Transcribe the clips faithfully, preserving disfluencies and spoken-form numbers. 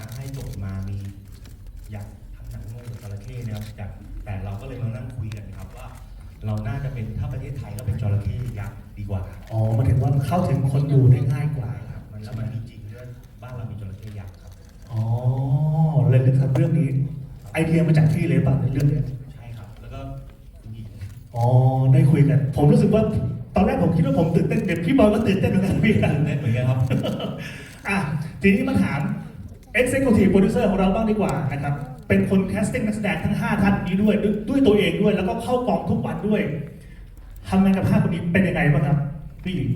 ให้โจทย์มามีอยากทำหนังงูกับจระเข้นะครับแต่แต่เราก็เลยมานั่งคุยกันครับว่า เราน่าจะเป็นถ้าประเทศไทยก็เป็นจระเข้ยักษ์ดีกว่าอ๋อมาถึงว่าเข้าถึงคนดูได้ง่ายกว่าครับมันแล้วมันมีจริงด้วยบ้านเรามีจระเข้ยักษ์ครับอ๋อเลยนึกถึงเรื่องนี้ไอเดียมาจากที่เลยป่ะในเรื่องนี้ใช่ครับแล้วก็คุณหญิงอ๋อได้คุยกันผมรู้สึกว่าตอนแรกผมคิดว่าผมตื่นเต้นเด็กพี่บอลก็ตื่นเต้นเหมือนกันพี่ตื่นเต้นเหมือนกันครับอ่ะทีนี้มาถาม Executive Producer ของเราบ้างดีกว่านะครับเป็นคนแคสติ้งนักแสดงทั้งห้าท่านนี้ด้วยด้วยตัวเองด้วยแล้วก็เข้ากองทุกวันด้วยทำงานกับห้าคนนี้เป็นยังไงบ้างครับพี่หญิง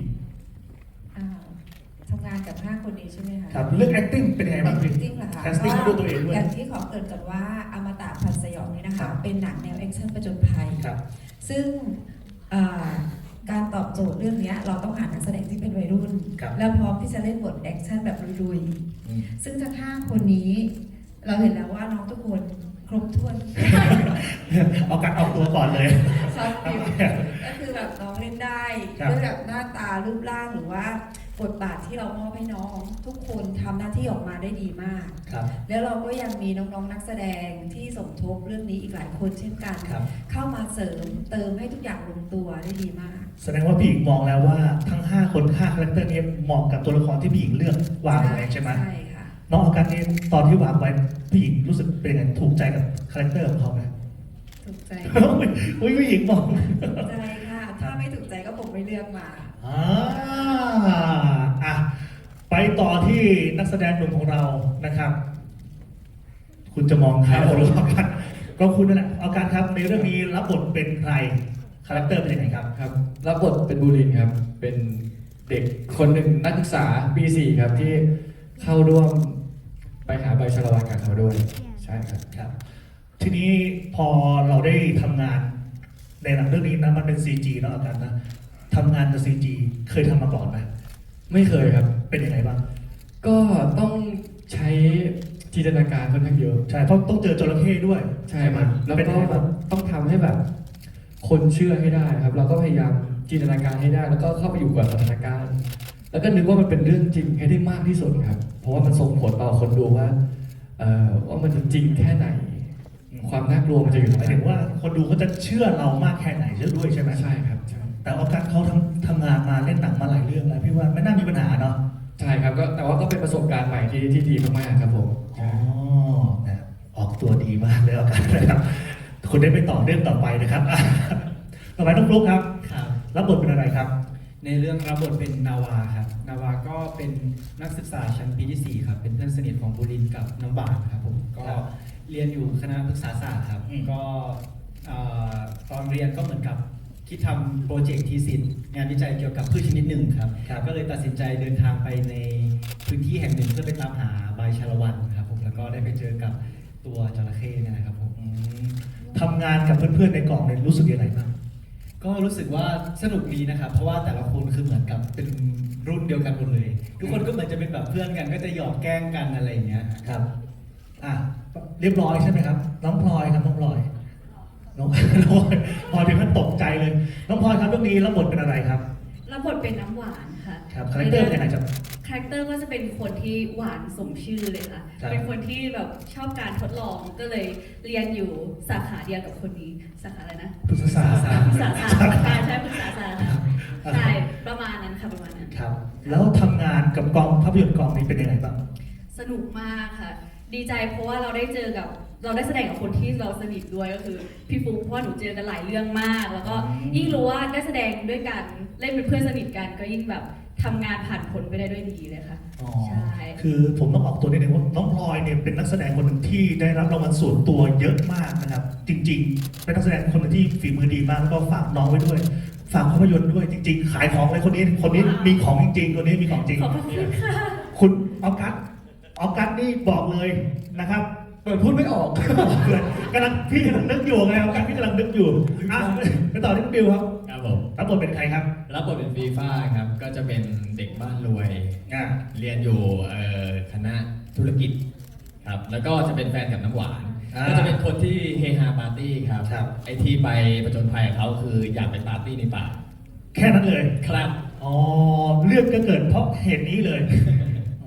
ทำงานกับห้าคนนี้ใช่ไหมคะครับเรื่อง acting เป็นยังไงบ้างพี่ acting เหรอคะแคสติ้งด้วยตัวเองด้วยอย่างที่ขอเกริ่นก่อนว่าอมตะพันสยองนี้นะคะเป็นหนังแนวแอคชั่นประจนภัยซึ่งการตอบโจทย์เรื่องนี้เราต้องหานักแสดงที่เป็นวัยรุ่นแล้วพร้อมที่จะเล่นบทแอคชั่นแบบลุยๆซึ่งทั้งห้าคนนี้เราเห็นแล้วว่าน้องทุกคนครบถ้วนเอาการออกตัวก่อนเลยชอบฟิลก็คือแบบน้องเล่นได้ด้วยแบบหน้าตารูปร่างหรือว่าบทบาทที่เรามอบให้น้องทุกคนทำหน้าที่ออกมาได้ดีมากแล้วเราก็ยังมีน้องๆนักแสดงที่สมทบเรื่องนี้อีกหลายคนเช่นกันเข้ามาเสริมเติมให้ทุกอย่างลงตัวได้ดีมากแสดงว่าพี่หญิงมองแล้วว่าทั้งห้าคนห้าคาแรคเตอร์นี้เหมาะกับตัวละครที่พี่หญิงเลือกวางไว้ใช่ไหมใช่ค่ะน้องออกัสนี่ตอนที่วางไว้พี่หญิงรู้สึกเป็นยังไงถูกใจกับคาแรคเตอร์ของเขาไหมถูกใจอุ้ยพี่หญิงมองถูกใจค่ะถ้าไม่ถูกใจก็ผมไม่เลือกมาอ่าอ่ะไปต่อที่นักแสดงหนุ่มของเรานะครับ คุณจะมองใครเอาออกัสก็คุณนั่นแหละออกัสครับในเรื่องนี้รับบทเป็นใครคาแรคเตอร์เป็นยังไงครับครับรับบทเป็นบูรินครับเป็นเด็กคนหนึ่งนักศึกษาปีสี่ครับที่เข้าร่วมไปหาใบชาละวันกับเขาด้วยใช่ครับครับทีนี้พอเราได้ทำงานในหนังเรื่องนี้นะมันเป็น ซี จี เนาะอาจารย์นะทำงานกับ ซี จี เคยทำมาก่อนไหมไม่เคยครับเป็นยังไงบ้างก็ต้องใช้จินตนาการค่อนข้างเยอะใช่เพราะต้องเจอจระเข้ด้วยใช่ครับแล้วก็ต้องทำให้แบบคนเชื่อให้ได้ครับเราก็พยายามจินตนาการให้ได้แล้วก็เข้าไปอยู่กับสถานการณ์แล้วก็นึกว่ามันเป็นเรื่องจริงให้ได้มากที่สุดครับเพราะว่ามันส่งผลต่อคนดูว่าเอ่อว่ามันจะจริงแค่ไหนความน่ากลัวมันจะอยู่หมายถึงว่าคนดูเขาจะเชื่อเรามากแค่ไหนเชื่อด้วยใช่ไหมใช่ครับใช่แต่ออกัสเขาทำทำงานมาเล่นหนังมาหลายเรื่องแล้วพี่ว่าไม่น่ามีปัญหาเนาะใช่ครับก็แต่ว่าก็เป็นประสบการณ์ใหม่ที่ที่ดีมากๆครับผมอ๋อนะออกตัวดีมากเลยออกัสนะครับคุณได้ไปต่อเรื่องต่อไปนะครับต่อไปน้องฟลุ๊กครับรับบทเป็นอะไรครับในเรื่องรับบทเป็นนาวาครับนาวาก็เป็นนักศึกษาชั้นปีที่สี่ครับเป็นเพื่อนสนิทของบุรินทร์กับน้ำบานครับผมก็เรียนอยู่คณะพฤกษาศาสตร์ครับก็ตอนเรียนก็เหมือนกับคิดทำโปรเจกต์ทีสิทธ์งานวิจัยเกี่ยวกับพืชชนิดหนึ่งครับก็เลยตัดสินใจเดินทางไปในพื้นที่แห่งหนึ่งเพื่อไปตามหาใบชาละวันครับผมแล้วก็ได้ไปเจอกับตัวจระเข้เนี่ยนะครับผมทำงานกับเพื่อนๆในกองเนี่ยรู้สึกยังไงบ้างก็รู้สึกว่าสนุกดีนะครับเพราะว่าแต่ละคนคือเหมือนกับเป็นรุ่นเดียวกันหมดเลยทุกคนก็เหมือนจะเป็นแบบเพื่อนกันก็จะหยอกแกล้งกันอะไรอย่างเงี้ยครับอ่ะเรียบร้อยใช่ไหมครับน้องพลอยครับน้องพลอยน้องพลอยพอถึงขั้นตกใจเลยน้องพลอยครับเรื่องนี้รับบทเป็นอะไรครับรับบทเป็นน้ำหวานค่ะครับคาแรคเตอร์เป็นยังไงจ๊ะคาแรคเตอร์ก็จะเป็นคนที่หวานสมชื่อเลยค่ะเป็นคนที่แบบชอบการทดลองก็เลยเรียนอยู่สาขาเดียวกับคนนี้สาขาอะไรนะพฤกษศาสตร์พฤกษศาสตร์ใช่ใช่พฤกษศาสตร์ใช่ประมาณนั้นค่ะประมาณนั้นครับแล้วทำงานกับกองภาพยนตร์กองนี้เป็นยังไงบ้างสนุกมากค่ะดีใจเพราะว่าเราได้เจอกับเราได้แสดงกับคนที่เราสนิทด้วยก็คือพี่ฟุ๊กเพราะว่าหนูเจอกันหลายเรื่องมากแล้วก็ยิ่งรู้ว่าได้แสดงด้วยกันเล่นเป็นเพื่อนสนิทกันก็ยิ่งแบบทำงานผ่านผลไปได้ด้วยดีเลยค่ะใช่คือผมต้องออกตัวนิดนึงว่าน้องพลอยเนี่ยเป็นนักแสดงคนหนึ่งที่ได้รับรางวัลส่วนตัวเยอะมากนะครับจริงๆเป็นนักแสดงคนหนึ่งที่ฝีมือดีมากแล้วก็ฝากน้องไว้ด้วยฝากภาพยนตร์ด้วยจริงๆขายของเลยคนนี้คนนี้มีของจริงๆคนนี้มีของจริงขอบคุณค่ะคุณออกัสออกัสนี่บอกเลยนะครับเปิดพูดไม่ออกกำลังพี่กำลังนึกอยู่ไงครับพี่กำลังนึกอยู่อ่ะไปต่อที่บิวครับครับผมรับบทเป็นใครครับรับบทเป็นฟีฟ่าครับก็จะเป็นเด็กบ้านรวยเรียนอยู่คณะธุรกิจครับแล้วก็จะเป็นแฟนกับน้ำหวานก็จะเป็นคนที่เฮฮาปาร์ตี้ครับไอที่ไปประจนภัยเขาคืออยากไปปาร์ตี้ในป่าแค่นั้นเลยครับอ๋อเลือกก็เกิดเพราะเหตุนี้เลย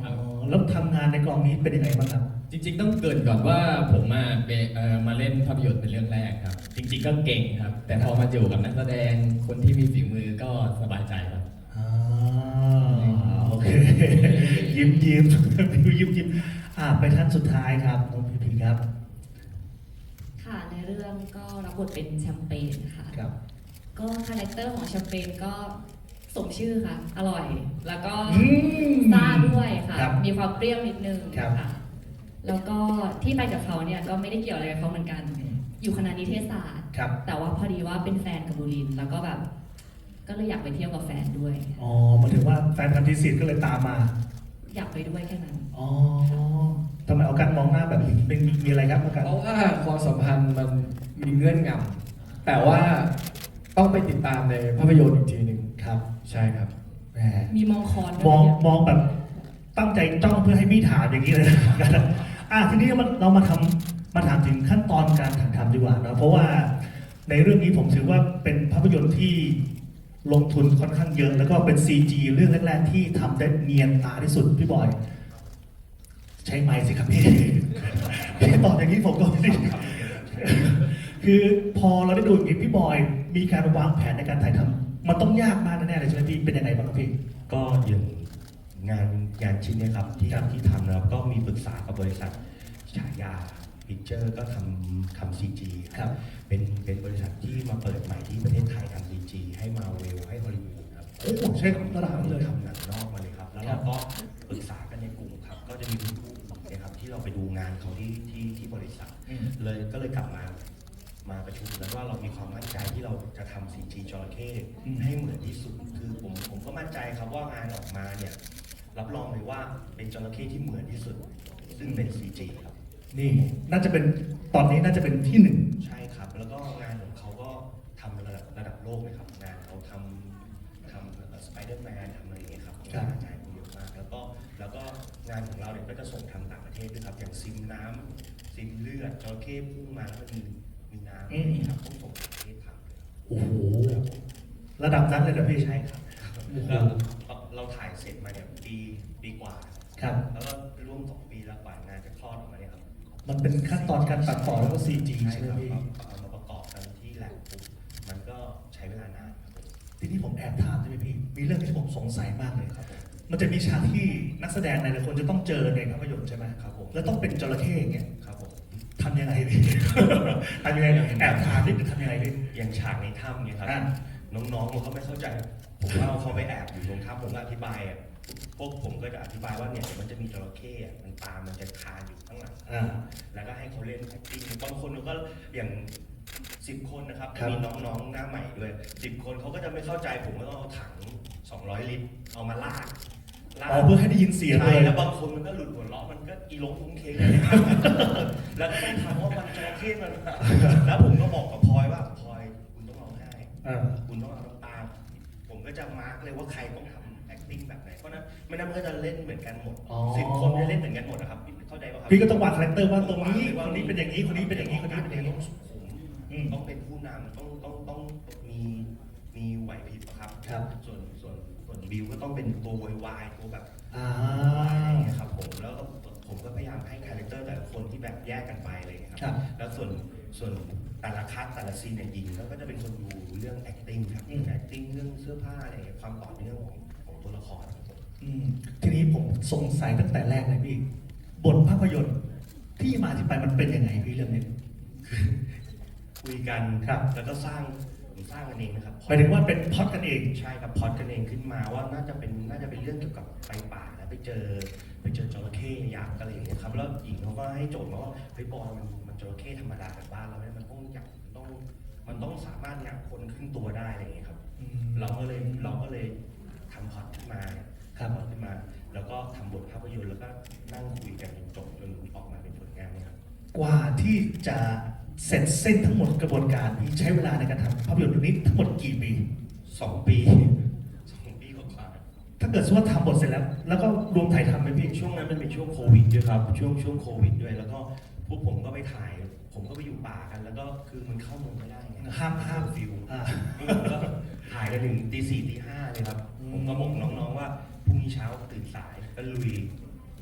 แล้วทำงานในกองนี้เป็นยังไงบ้างครับจริงๆต้องเกรินก่อนว่าผมมาเป็นเอ่อมาเล่นภาพยนตร์เป็นเรื่องแรกครับ จริงๆก็เก่งครับ แต่พอมาอยู่กับนักแสดงคนที่มีฝีมือก็สบายใจครับอ่าโอเค ยิ้มยิ้มพิวยิ้มยิ้มอ่าไปท่านสุดท้ายครับน้องพีพีครับค่ะในเรื่องก็รับบทเป็นแชมเปญค่ะครับก็คาแรคเตอร์ของแชมเปญก็สมชื่อค่ะ อร่อย แล้วก็อืมซ่าด้วยค่ะครับมีความเปรี้ยวนิดนึงครับค่ะ แล้วก็ที่ไปกับเขาเนี่ยก็ไม่ได้เกี่ยวอะไรกับเขาเหมือนกันอืมอยู่คณะนิเทศศาสตร์ครับแต่ว่าพอดีว่าเป็นแฟนกับบุรินทร์แล้วก็แบบ ก็เลยอยากไปเที่ยวกับแฟนด้วยอ๋อมาถึงว่าแฟนพันธุ์ที่สี่ก็เลยตามมาอยากไปด้วยแค่นั้นอ๋อทำไมเอาการมองหน้าแบบนี้เป็นมีอะไรครับเอาการเพราะว่าความสัมพันธ์มันมีเงื่อนงำแต่ว่าต้องไปติดตามในภาพยนตร์อีกทีหนึ่งครับใช่ครับแหมมีมองคอนด้มวองยมองแบบตั้งใจจ้องเพื่อให้พี่ถามอย่างนี้เลยนะ อ่ะทีนี้มันเรามาทำมาถามถึงขั้นตอนการถ่ายทำดีกว่านะเพราะว่าในเรื่องนี้ผมถือว่าเป็นภาพยนตร์ที่ลงทุนค่อนข้างเยอะ แล้วก็เป็น ซี จี เรื่องแรกๆที่ทำได้เนียนตาที่สุดพี่บอย ใช้ไมค์สิครับพี่ พี่ตอบอย่างนี้ผมก็ไม่ได้คือพอเราได้ดูอย่างนี้พี่บอยมีการวางแผนในการถ่ายทำมันต้องยากมากแน่ๆเลยใช่ไหมพี่เป็นยังไงบ้างครับพี่ก็อย่างงานงานชิ้นเนี้ครับที่ครับที่ทำนะครับก็มีปรึกษากับบริษัทฉายาพิเจอร์ก็ทำทำซีจีครับเป็นเป็นบริษัทที่มาเปิดใหม่ที่ประเทศไทยทำซีจีให้มาเวลให้ฮอลลีวูดครับโอ้โหใช่ระดับนั้นเลยทำหนังนอกมาเลยครับ แล้วครัเราบก็ปรึกษากันในกลุ่มครับ ก็จะมีคุณครูนะครับที่เราไปดูงานเขาที่ที่ที่บริษัทอืมเลยก็เลยกลับมามาประชุมกันว่าเรามีความมั่นใจที่เราจะทำซีจีจระเข้อืมให้เหมือนที่สุด คือผมผมก็มั่นใจครับว่างานออกมาเนี่ยรับรองเลยว่าเป็นจระเข้ที่เหมือนที่สุด ซึ่งเป็นซีจีครับนี่น่าจะเป็นตอนนี้น่าจะเป็นที่หนึ่งใช่ครับ แล้วก็งานของเขาก็ทำระดับระดับโลกเลยครับ งานเขาทำทำสไปเดอร์แมนทำอะไรอย่างเงี้ยครับครับงานงานเยอะมาก แล้วก็แล้วก็งานของเราเนี่ยก็จะส่งทำต่างประเทศด้วยครับ อย่างซิมน้ำซิมเลือดจระเข้พุ่งมาแล้วมันมีมีน้ำอะไรอย่างเงี้ยครับต้องส่งต่างประเทศทำเลยครับโอ้โหระดับนั้นเลยเหรอพี่ใช่ครับเราเราถ่ายเสร็จมาเนี่ยปีปีกว่าครับแล้วก็ร่วมสองปีแล้วกว่างานจะคลอดออกมาเนี่ยครับมันเป็นขั้นตอนการตัดต่อแล้วก็ ซี จีใช่ใช่ไหมครับพี่เอามาประกอบกันที่แลบปุ๊บมันก็ใช้เวลานานครับทีนี้ผมแอบถามใช่ไหมพี่ มีเรื่องที่ผมสงสัยมากเลยครับผมมันจะมีฉากที่นักแสดงหลายๆคนจะต้องเจอในภาพยนตร์ใช่ไหมครับผมแล้วต้องเป็นจระเข้อย่างเงี้ยครับผมทำยังไงพี่ ทำยังไงแอบถามนิดนึงทำยังไงพี่อย่างฉากในถ้ำเนี่ยครับอ่ะน้องๆมันก็ไม่เข้าใจ ผมว่าเขาไปแอบอยู่ตรงถ้ำผมก็อธิบายอ่ะพวกผมก็จะอธิบายว่าเนี่ยเดี๋ยวมันจะมีจระเข้อ่ะมันตามมันจะคานอยู่ข้างหลังอ่าแล้วก็ให้เขาเล่น acting บางคนก็อย่างสิบคนนะครับครับมีน้องๆหน้าใหม่ด้วยสิบคนเขาก็จะไม่เข้าใจผมก็ต้องเอาถังสองร้อยลิตรเอามาลากลากอ๋อเพื่อให้ได้ยินเสียงเลใช่ยแล้วบางคนมันก็หลุดหัวเราะมันก็อีลงทุ้งเคงเลยนะครับ แล้วก็ต้องถามว่ามันจระเข้มัน แล้วผมก็บอกกับพลอยว่าพลอยคุณต้องร้องไห้อ่าคุณต้องเอาน้ำตา ผมก็จะมาร์กเลยว่าใครต้องทำ acting แบบไหน เพราะนั้นไม่นั้นมันก็จะเล่นเหมือนกันหมดอ๋อสิบคนจะเล่นเหมือนกันหมดนะครับเข้าใจป่ะครับพี่ก็ต้องวางคาแรคเตอร์ว่าตรงนี้คนนี้เป็นอย่างนี้คนนี้เป็นอย่างนี้คนนี้เป็นอย่างนี้ต้องสุขุมอืมต้องเป็นผู้นำต้องต้องต้องมีมีไหวพริบอะครับครับส่วนส่วนส่วนบิวก็ต้องเป็นตัววายตัวแบบอ่าอะไรอย่างเงี้ยครับผมแล้วก็ผมก็พยายามให้คาแรคเตอร์แต่ละคนที่แบบแยกกันไปอะไรอย่างเลยคครัรับ แล้วส่วนส่วนแต่ละคัสแต่ละซีนเนี่ยยิงแล้วก็จะเป็นคนดูเรื่อง acting ครับอืม acting เรื่องเสื้อผ้าอะไรอย่างเงี้ยความต่อเนื่องของของตัวละครครับผมอืมทีนี้ผมสงสัยตั้งแต่แรกเลยพี่บทภาพยนตร์ที่มาที่ไปมันเป็นยังไงพี่เรื่องนี้คุยกันครับแล้วก็สร้างผมสร้างกันเองนะครับหมายถึงว่าเป็นพล็อดกันเองใช่ครับพล็อดกันเองขึ้นมาว่าน่าจะเป็นน่าจะเป็นเรื่องเกี่ยวกับไปป่าแล้วไปเจอไปเจอจระเข้ยักษ์อะไรอย่างเงี้ยครับแล้วหญิงเขาก็ให้โจทย์มาว่าเฮ้ยบอยมันมันจระเข้ธรรมดาแบบบ้านเราเนี่ยมันต้องยักษ์มันต้องมันต้องสามารถงับคนครึ่งตัวได้อะไรอย่างเงี้ยครับอืมเราก็เลยเราก็เลยทำพล็อดขึ้นมาครับทำพล็อดขึ้นมา แล้วก็ทำบทภาพยนตร์แล้วก็นั่งคุยกันจนจบจนออกมาเป็นผลงานเนี่ยครับกว่าที่จะเสร็จเส้นทั้งหมดกระบวนการพี่ใช้เวลาในการทำภาพยนตร์เรื่องนี้ทั้งหมดกี่ปีสองปีสองปีกว่าๆถ้าเกิดสมมติว่าทำหมดเสร็จแล้ว แล้วก็รวมถ่ายทำไหมพี่ช่วงนั้นมันเป็นช่วงโควิดด้วยครับช่วงช่วงโควิดด้วยแล้วก็พวกผมก็ไปถ่าย ผมก็ไปอยู่ป่ากัน แล้วก็คือมันเข้าเมืองไม่ได้ไงห้ามห้ามฟิวอ่าผมก็ถ่ายกันถึงตีสี่ตีห้าเลยครับอืมผมก็บอกน้องๆว่าพรุ่งนี้เช้าตื่นสายก็ลุย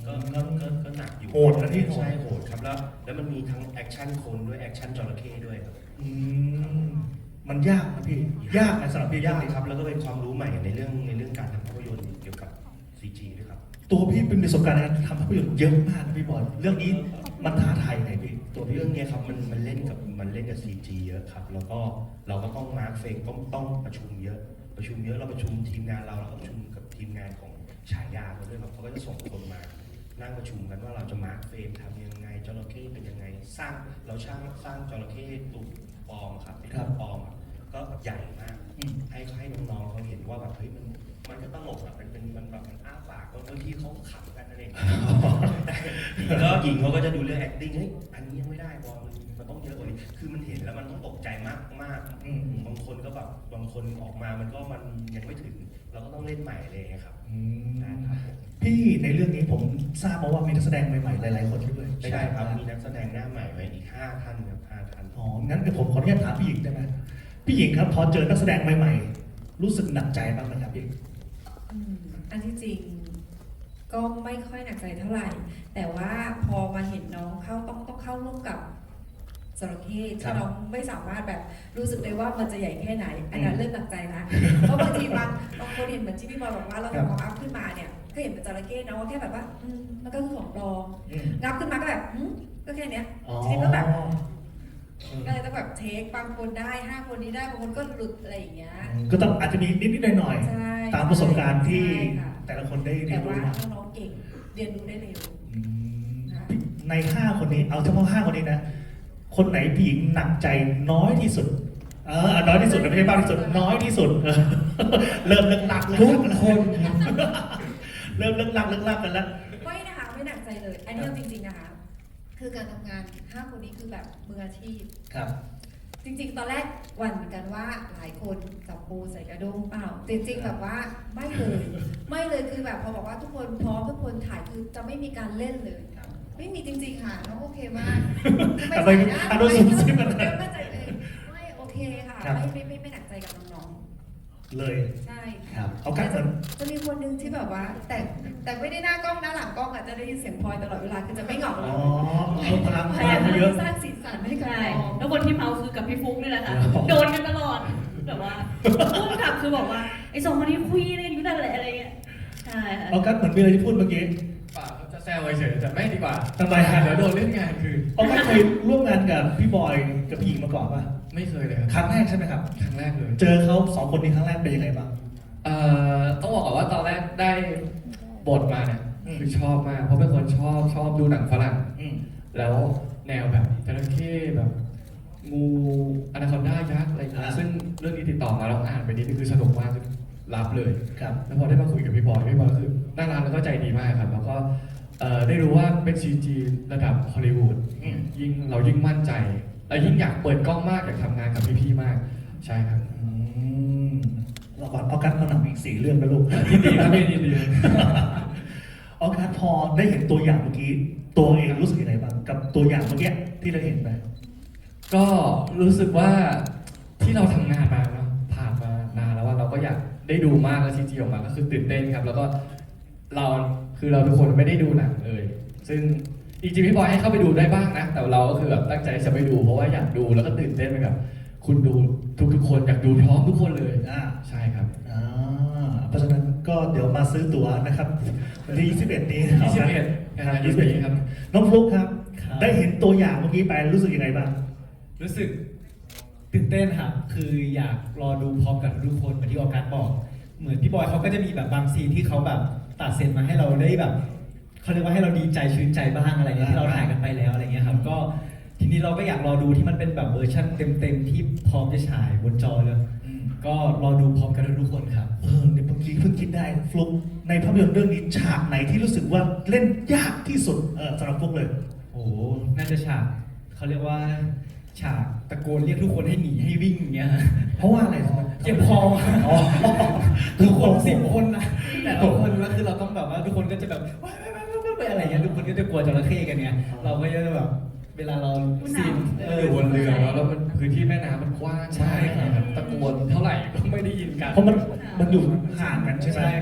ก็ก็ก็ก็หนักอยู่โหดนะพี่ใช่โหดครับแล้วแล้วมันมีทั้งแอคชั่นคนด้วยแอคชั่นจระเข้ด้วยครับอืมมันยากนะพี่ ยากไหมสำหรับพี่ยากเลยครับแล้วก็เป็นความรู้ใหม่ในเรื่องในเรื่องการทำภาพยนตร์เกี่ยวกับ ซี จี ด้วยครับตัวพี่เป็นประสบการณ์ในการทำภาพยนตร์เยอะมากนะพี่บอลเรื่องนี้มันท้าทายไงพี่ตัวพี่เรื่องเนี้ยครับมันมันเล่นกับมันเล่นกับ ซี จี เยอะครับแล้วก็เราก็ต้องมาร์คเฟรมต้องต้องประชุมเยอะ ประชุมเยอะเราประชุมทีมงานเราแล้วก็ประชุมกับทีมงานของฉายาเขาด้วยครับเขาก็จะส่งคนมานั่งประชุมกันว่าเราจะมาร์คเฟรมทำยังไงจระเข้เป็นยังไงสร้างเราช่างสร้างจระเข้ตัวปลอมครับเป็นตัวปลอมอะก็ใหญ่มากอืมให้ให้น้องๆเขาเห็นว่าแบบเฮ้ยมันมันก็ตลกอะมันเป็นมันแบบมันอ้าปากบางทีเขาขำกันนั่นเอง แล้วหญิงเขาก็จะดูเรื่อง acting เฮ้ยอันนี้ยังไม่ได้บอลมันมันต้องเยอะกว่านี้คือมันเห็นแล้วมันต้องตกใจมากมากอืมบางคนก็แบบบางคนออกมามันก็มันยังไม่ถึง เราก็ต้องเล่นใหม่เลยครับอืมนะครับพี่ในเรื่องนี้ผมทราบมาว่ามีนักแสดงใหม่ๆหลายๆคนด้วยใช่ครับมีนักแสดงหน้าใหม่ไว้อีกห้าท่านครับห้าท่านอ๋องั้นเดี๋ยวผมขออนุญาตถามพี่หญิงได้ไหมพี่หญิงครับพอเจอนักแสดงใหม่ๆ รู้สึกหนักใจบ้างไหมครับพี่อืมอันที่จริงก็ไม่ค่อยหนักใจเท่าไหร่ แต่ว่าพอมาเห็นน้องเข้าต้องต้องเข้าร่วมกับจระเข้ครัที่บน้องไม่สามารถแบบรู้สึกได้ว่ามันจะใหญ่แค่ไหน อันนั้อืนมเริ่มหนักใจละเพราะบางทีบางบางคนเห็นเหมือนที่พี่บอลบอกว่าเราครับทำของอัพขึ้นมาเนี่ยก็เห็นเป็นจระเข้เนาะแค่แบบว่าอืมมันก็คือของปลอมอืมงับขึ้นมาก็แบบอืมก็แค่เนี้ยอ๋อทีนี้ก็แบบ ก็เลยต้องแบบเทคบางคนได้ห้าคนนี้ได้บางคนก็หลุดอะไรอย่างเงี้ยก็ต้องอาจจะมีนิดๆหน่อยใช่ๆตามประสบการณ์ที่ใช่ค่ะแต่ละคนได้เรีแต่ยนรู้ว่ามาน้องๆเก่งเรียนรู้ได้เร็วอืมในห้าคนนี้เอาเฉพาะห้าคนนี้นะ คนไหนพี่หญิงหนักใจน้อยที่สุด เออน้อยที่สุดนะไม่ใช่มากที่สุด น้อยที่สุดเออเริ่มเลิกลักเลิกทุลักกแล้วคนครับเริ่มเลิกลักเลิกลักกันแล้วไม่นะคะไม่หนักใจเลย อันนี้เอาจริงๆนะคะ คือการทำงานห้าคนนี้คือแบบมืออาชีพครับจริงๆ ตอนแรกหวั่นเหมือนกันว่าหลายคนจับปูใส่กระด้งเปล่า จริงๆ แบบว่าไม่เลย ไม่เลยคือแบบพอบอกว่าทุกคนพร้อมทุกคนถ่ายคือจะไม่มีการเล่นเลย ไม่มีจริงๆ ค่ะน้องโอเคมากทำไมอารมณ์สูงซิ่งมันไม่ไม่ใจเลยไม่โอเคค่ะครับไม่ไม่ไม่ไม่หนักใจกับน้องเลยๆ ใช่ครับเอากันเหมือนจะมีคนหนึ่งที่แบบว่า แต่แต่ไม่ได้หน้ากล้องหน้าหลังกล้องอ่ะจะได้ยินเสียงพลอยตลอดเวลาคือจะไม่เหงาเลอ๋ยอเอาพลังพพยาลัยาง มเยอะสร้างสีสันให้กับใช่น้องแล้วคนที่เมาคือกับพี่ฟุ๊กนี่แหละค่ะอ๋อโดนกันตลอดแบบว่าพุ่งกลับคือบอกว่าไอ้สองคนนี้คุยอะไรกันอยู่นั่นแหละอะไรเงี้ยใช่ค่ะเอากันเหมือนมีอะไรที่พูดเมื่อกี้ป่าเขาจะแซวเฉยๆแต่ไม่ดีกว่าทำไมฮะเดี๋ยวโดนเล่นงานคือเอากันเคยร่วมงานกับพี่บอยกับพี่หญิงมาก่อนป่ะไม่เคยเลยครับครั้งแรกใช่ไหมครับครั้งแรกเลยเจอเขาสองคนนี้ครั้งแรกเป็นยังไงบ้างเอ่อต้องบอกก่อนว่าตอนแรกได้บทมาเนี่ยอืมคือชอบมากเพราะเป็นคนชอบชอบดูหนังฝรั่งอืมแล้วแนวแบบจระเข้แบบงูอนาคอนด้ายักษ์อะไรอย่างเงี้ยอ่าซึ่งเรื่องนี้ติดต่อมาแล้วอ่านไปนิดนึงคือสนุกมากคือรับเลยครับแล้วพอได้มาคุยกับพี่บอยพี่บอยก็คือน่ารักแล้วก็ใจดีมากครับ แล้วก็เอ่อได้รู้ว่าเป็น ซี จี ระดับฮอลลีวูดอืมยิ่งเรายิ่งมั่นใจและยิ่งอยากเปิดกล้องมากอยากทำงานกับพี่ๆมากใช่ครับอืมเราก่อนเอากันเอาหนังอีกสี่เรื่องนะลูกยินดีครับพี่ยินดีเอากันพอได้เห็นตัวอย่างเมื่อกี้ ตัวเองรู้สึกยังไงบ้างกับตัวอย่างเมื่อกี้ที่เราเห็นไปก็รู้สึกว่าที่เราทำงานมาเนาะผ่านมานานแล้วว่าเราก็อยากได้ดูมากแล้วซีจีออกมาก็คือตื่นเต้นครับ แล้วก็เราคือเราทุกคนไม่ได้ดูหนังเลย ซึ่งจริงๆพี่บอยให้เข้าไปดูได้บ้างนะ แต่เราก็คือแบบตั้งใจจะไปดูเพราะว่าอยากดูแล้วก็ตื่นเต้นไปกับคุณดูทุกๆคนอยากดูพร้อมทุกคนเลยอ่าใช่ครับอ่าเพราะฉะนั้นก็เดี๋ยวมาซื้อตั๋วนะครับวันที่ยี่สิบเอ็ดนี้ยี่สิบเอ็ดนะฮะยี่สิบเอ็ดครับน้องฟลุ๊กครับครับได้เห็นตัวอย่างเมื่อกี้ไปรู้สึกยังไงบ้างรู้สึกตื่นเต้นครับ คืออยากรอดูพร้อมกับทุกคนเหมือนที่ออกัสบอก เหมือนพี่บอยเขาก็จะมีแบบบางซีนที่เขาแบบตัดเซนมาให้เราได้แบบเขาเรียกว่าให้เราดีใจชื่นใจบ้างอะไรเงี้ยที่เราถ่ายกันไปแล้วอะไรเงี้ยครับ ก็ทีนี้เราก็อยากรอดูที่มันเป็นแบบเวอร์ชันเต็มๆที่พร้อมจะฉายบนจอเลยอืมก็รอดูพร้อมกันทุกคนครับเออเนี่ยเมื่อกี้เพิ่งคิดได้ฟลุ๊กในภาพยนตร์เรื่องนี้ฉากไหนที่รู้สึกว่าเล่นยากที่สุดเออสำหรับฟลุ๊กเลยโอ้โหน่าจะฉากเขาเรียกว่าฉากตะโกนเรียกทุกคนให้หนีให้วิ่งอย่างเงี้ยฮะเพราะว่าอะไรทำไมเจ็บคออ๋อทุกคนสิบคนนะแต่ละคนแล้วคือเราต้องแบบว่าทุกคนก็จะแบบว้ายว้ายว้ายว้ายว้ายอะไรเงี้ยทุกคนก็จะกลัวจระเข้กันไงเราก็จะแบบเวลาเราซีนเอออยู่บนเรือเนอะแล้วมันพื้นที่แม่น้ำมันกว้างใช่มากครับตะโกนเท่าไหร่ก็ไม่ได้ยินกันเพราะมันมันอยู่ห่างกันใช่ไหมใช่ครับอ๋อ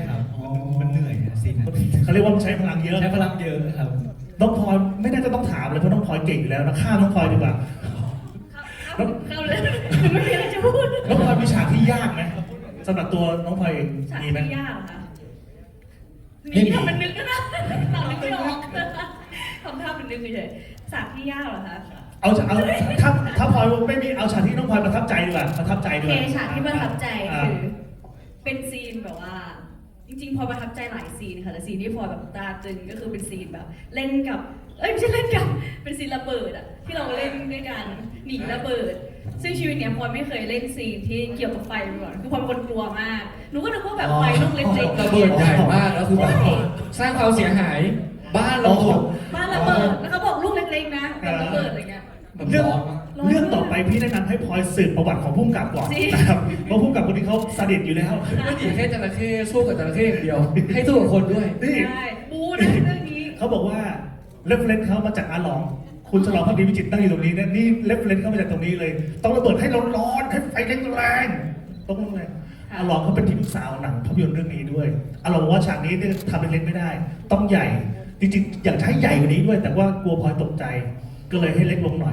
มันเหนื่อยนะซีนนั้นเขาเรียกว่ามันใช้พลังเยอะใช้พลังเยอะครับน้องพลอยไม่น่าจะต้องถามเลยเพราะน้องพลอยเก่งอยู่แล้วนะข้ามน้องพลอยดีกว่าเข้าเข้าเลยไม่มีอะไรจะพูดน้องพลอยมีฉากที่ยากไหมสำหรับตัวน้องพลอยเองฉากมีไหมที่ยากเหรอคะมีทำมันนึกก็ได้ตอบไม่ออกทำท่าเป็นนึกเฉยๆฉากที่ยากเหรอคะเอาเอาถ้าถ้าพลอยไม่มีเอาฉากที่น้องพลอยประทับใจดีกว่าประทับใจโอด้วเคยฉากที่ประทับใจอ่าคือเป็นซีนแบบว่า จริงๆพลอยประทับใจหลายซีนค่ะแต่ซีนที่พลอยแบบตราตรึงก็คือเป็นซีนแบบ เล่นกับเอ้ยไม่ใช่เล่นกับเป็นซีนระเบิดอะที่เราเล่นด้วยกันหนีระเบิด ซึ่งชีวิตเนี้ยพลอยไม่เคยเล่นซีนที่เกี่ยวกับไฟมาก่อนคือพลอยเป็นคนกลัวมากหนูก็นึกว่าแบบไฟลูกเล็กๆระเบิดใหญ่มากแล้วคือแบบสร้างความเสียหายบ้านเราแบบบ้านระเบิดแล้วเขาบอกลูกเล็กๆนะแบบระเบิดอะไรเงี้ยแบบเรื่องร้อนมากเรื่องต่อไปพี่แนะนำให้พลอยสืบประวัติของผู้กำกับก่อนจริงนะครับเพราะผู้กำกับคนนี้เขาสดิตอยู่แล้วไม่ดีแค่จระเข้สู้กับจระเข้อย่างเดียว ให้สู้กับคนด้วยนี่ใช่บูนะเรื่องนี้เขาบอกว่าเรฟเฟรนซ์เขามาจากอาหลอง คุณฉลองพักดีวิจิตรตั้งอยู่ตรงนี้นะนี่เรฟเฟรนซ์เขามาจากตรงนี้เลย ต้องระเบิดให้ร้อนๆให้ไฟแรงๆต้องแรงอาหลองเขาเป็นที่ปรึกษาหนังภาพยนตร์เรื่องนี้ด้วยอาหลองบอกว่าฉากนี้เนี่ยทำเล็กๆไม่ได้ ต้องใหญ่ จริงๆอยากจะให้ใหญ่กว่านี้ด้วย แต่ว่ากลัวพลอยตกใจ ก็เลยให้เล็กลงหน่อย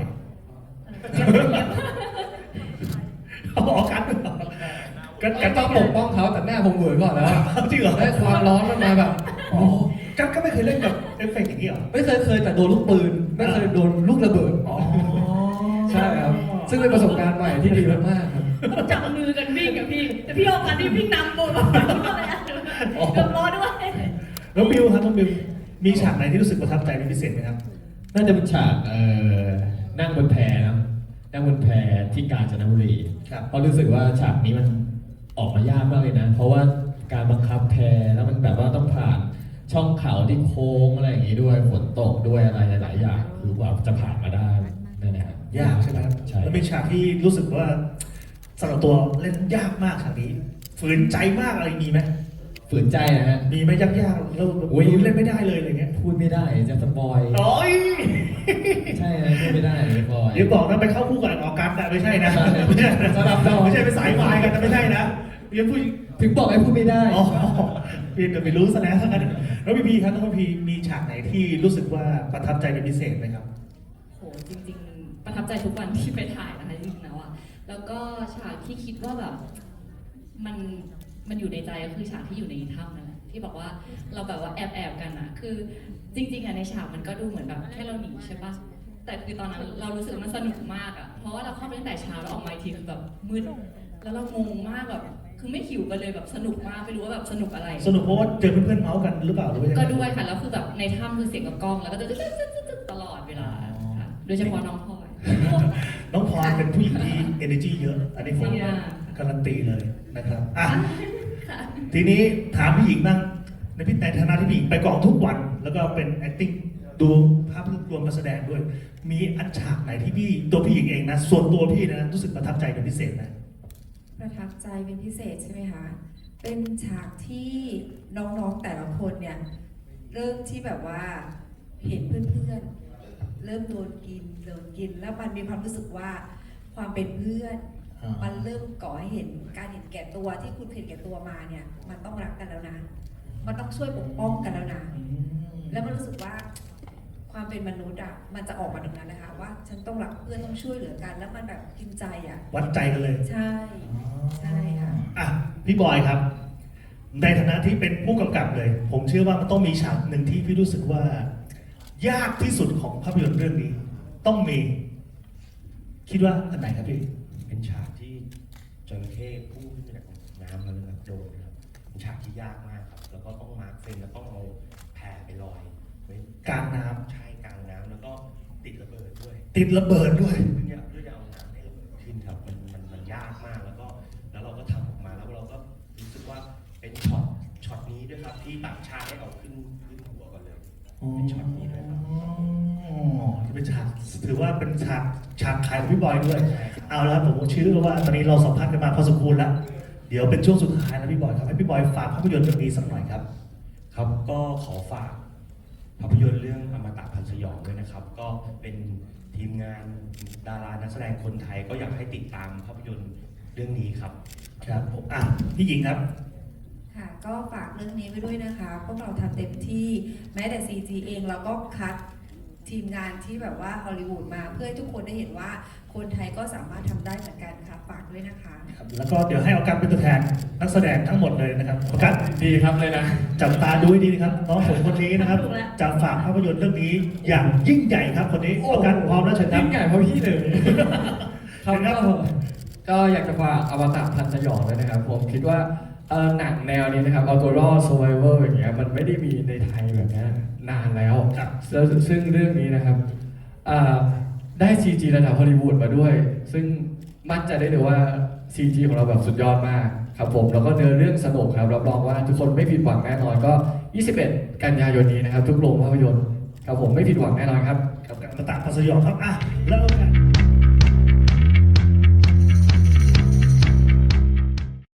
เอาออกกันกันก็กันต้ต้ออง งปปกกป้องเขาแต่หน้าผมเหวอก่อนแล้วจริงเหรอได้ความร้อนมันมาแบบอ๋อกันก็ไม่เคยเล่นกับเอฟเฟกต์อย่างนี้เหรอไม่เคยเคยแต่โดนลูกปืน ไม่เคยโดนลูกระเบิดอ๋อใช่ครับ ซึ่งเป็นประสบการณ์ใหม่ที่ดีมากๆครับต้องจับมือกันวิ่งกับพี่ แต่พี่ออกกันที่วิ่งนำโบนมาเกือบร้อนด้วยแล้วบิวครับน้องบิวมีฉากไหนที่รู้สึกประทับใจเป็นพิเศษไหมครับน่าจะเป็นฉากเอ่อนั่งบนแพนะนั่งบนแพที่กาญจนบุรีครับเพราะรู้สึกว่าฉากนี้มันออกมายากมากเลยนะ เพราะว่าการบังคับแพแล้วมันแบบว่าต้องผ่านช่องเขาที่โค้งอะไรอย่างงี้ด้วยฝนตกด้วยอะไรหลายๆอย่างคือว่าจะผ่านมาได้นั่นแหละครับยากใช่ไหมครับใช่แล้วมีฉากที่รู้สึกว่าสำหรับตัวเล่นยากมากฉากนี้ฝืนใจมากอะไรมีไหมฝืนใจนะฮะมีไหมยากๆแล้วอุ๊ยเล่นไม่ได้เลยอะไรเงี้ยพูดไม่ได้จะสปอยโอ้ยใช่นะพูดไม่ได้สปอยเดี๋ยวบอกนะไปเข้าคู่กับออกกันนะไม่ใช่นะไม่ใช่นะสลับดอกไม่ใช่ไปสายวายกันนะไม่ใช่นะเรียนผู้ถึงบอกให้พูดไม่ได้อ๋อเพียงแต่ไม่รู้ซะแล้วทั้งนั้นแล้วพี่พีครับน้องพีมีฉากไหนที่รู้สึกว่าประทับใจเป็นพิเศษไหมครับโหจริงๆ ประทับใจทุกวันที่ไปถ่ายนะคะจริงๆแล้วอะแล้วก็ฉากที่คิดว่าแบบมันมันอยู่ในใจก็คือฉากที่อยู่ในถ้ำนั่นแหละที่บอกว่าเราแบบว่าแอบแอบๆกันอะคือจริงๆอะในฉากมันก็ดูเหมือนแบบแค่เราหนีใช่ปะแต่คือตอนนั้นเรารู้สึกว่ามันสนุกมากอะเพราะว่าเราเข้าไปตั้งแต่เช้าแล้วออกมาอีกทีคือแบบมืดแล้วเรางงมากแบบคือไม่หิวกันเลยแบบสนุกมากไม่รู้ว่าแบบสนุกอะไรสนุกเพราะว่าเจอเพื่อนๆเมาส์กันหรือเปล่าหรือว่ายังไงก็ด้วยค่ะ แล้วคือแบบในถ้ำคือเสียงกับกล้อง แล้วก็จะตลอดเวลาค่ะ โดยเฉพาะน้องพลอยน้องพรเป็นผู้หญิงที่ energy เยอะ อันนี้ผมจริงอะการันตีเลยนะครับอ่ะค่ะทีนี้ถามพี่หญิงบ้างในพี่ในฐานะที่พี่หญิงไปกองทุกวัน แล้วก็เป็น acting ดูภาพรวมการแสดงด้วย มีอันฉากไหนที่พี่ตัวพี่หญิงเองนะ ส่วนตัวพี่นะรู้สึกประทับใจเป็นพิเศษไหมประทับใจเป็นพิเศษใช่ไหมคะ เป็นฉากที่น้องๆแต่ละคนเนี่ยเริ่มที่แบบว่าเห็นเพื่อนๆ เริ่มโดนกินโดนกิน แล้วมันมีความรู้สึกว่าความเป็นเพื่อนอ่ามัมันเริ่มก่อให้เห็นการเห็นแก่ตัวที่คุณเห็นแก่ตัวมาเนี่ย มันต้องรักกันแล้วนะ มันต้องช่วยปกป้องกันแล้วนะ แล้วมันรู้สึกว่าความเป็นมนุษย์อ่ะ มันจะออกมาตรงนั้นนะคะว่าฉันต้องรักเพื่อนต้องช่วยเหลือกัน แล้วมันแบบกินใจอ่ะวัดใจกันเลยใช่ ใช่ค่ะอ่ะพี่บอยครับ ในฐานะที่เป็นผู้กำกับเลย ผมเชื่อว่ามันต้องมีฉากหนึ่งที่พี่รู้สึกว่า ยากที่สุดของภาพยนตร์เรื่องนี้ ต้องมี คิดว่าอันไหนครับพี่เป็นฉากที่จระเข้พุ่งขึ้นมาจากน้ำแล้วแบบโดนครับเป็นฉากที่ยากมากครับ แล้วก็ต้องมาร์คเฟรมแล้วต้องเอาแพรไปลอยไว้กลางน้ำใช่กลางน้ำแล้วก็ติดระเบิดด้วยติดระเบิดด้วยเพื่อจะเพื่อจะเอาน้ำให้ระเบิดขึ้นครับมันมันมันยากมากแล้วก็แล้วเราก็ทำออกมาแล้วเราก็รู้สึกว่าเป็นช็อตช็อตนี้ด้วยครับที่ต่างชาติให้เอาขึ้นขึ้นหัวก่อนเลย เป็นช็อตนี้ด้วยครับอ๋อที่เป็นฉากถือว่าเป็นฉากฉากขายของพี่บอยด้วยใช่ครับเอาละผมเชื่อว่าตอนนี้เราสัมภาษณ์กันมาพอสมควรแล้ว เดี๋ยวเป็นช่วงสุดท้ายแล้วพี่บอยครับให้พี่บอยฝากภาพยนตร์เรื่องนี้สักหน่อยครับครับก็ขอฝากภาพยนตร์เรื่องอมตะพันธ์สยองด้วยนะครับ ก็เป็นทีมงานดารานักแสดงคนไทยก็อยากให้ติดตามภาพยนตร์เรื่องนี้ครับครับผมอ่ะพี่หญิงครับค่ะ ก็ฝากเรื่องนี้ไว้ด้วยนะคะ พวกเราทำเต็มที่แม้แต่ ซี จี เองเราก็คัดทีมงานที่แบบว่าฮอลลีวูดมาเพื่อให้ทุกคนได้เห็นว่าคนไทยก็สามารถทำได้เหมือนกันค่ะฝากด้วยนะคะครับแล้วก็เดี๋ยวให้ออกัสเป็นตัวแทนนักแสดงทั้งหมดเลยนะครับออกัสดีครับเลยนะจับตาดูให้ดีนะครับน้องผมคนนี้นะครับจะฝากภาพยนตร์เรื่องนี้อย่างยิ่งใหญ่ครับคนนี้ออกัสพร้อมแล้วเชิญครับยิ่งใหญ่เพราะพี่เลยครับครัก็บก็อยากจะฝากอวตารพันสยองด้วยนะครับ ผมคิดว่าเอ่อหนังแนวนี้นะครับ Outdoor Survival อย่างเงี้ยมันไม่ได้มีในไทยแบบนี้นานแล้วครับแล้วซึ่งเรื่องนี้นะครับอ่าได้ ซี จี ระดับฮอลลีวูดมาด้วย ซึ่งมั่นใจได้เลยว่า ซี จี ของเราแบบสุดยอดมากครับผมแล้วก็เนื้อเรื่องสนุกครับรับรองว่าทุกคนไม่ผิดหวังแน่นอนก็ ยี่สิบเอ็ด กันยายนนี้นะครับ ทุกโรงภาพยนตร์ครับผมไม่ผิดหวังแน่นอนครับกับการประตาพัสยองครับอ่ะเริ่มกัน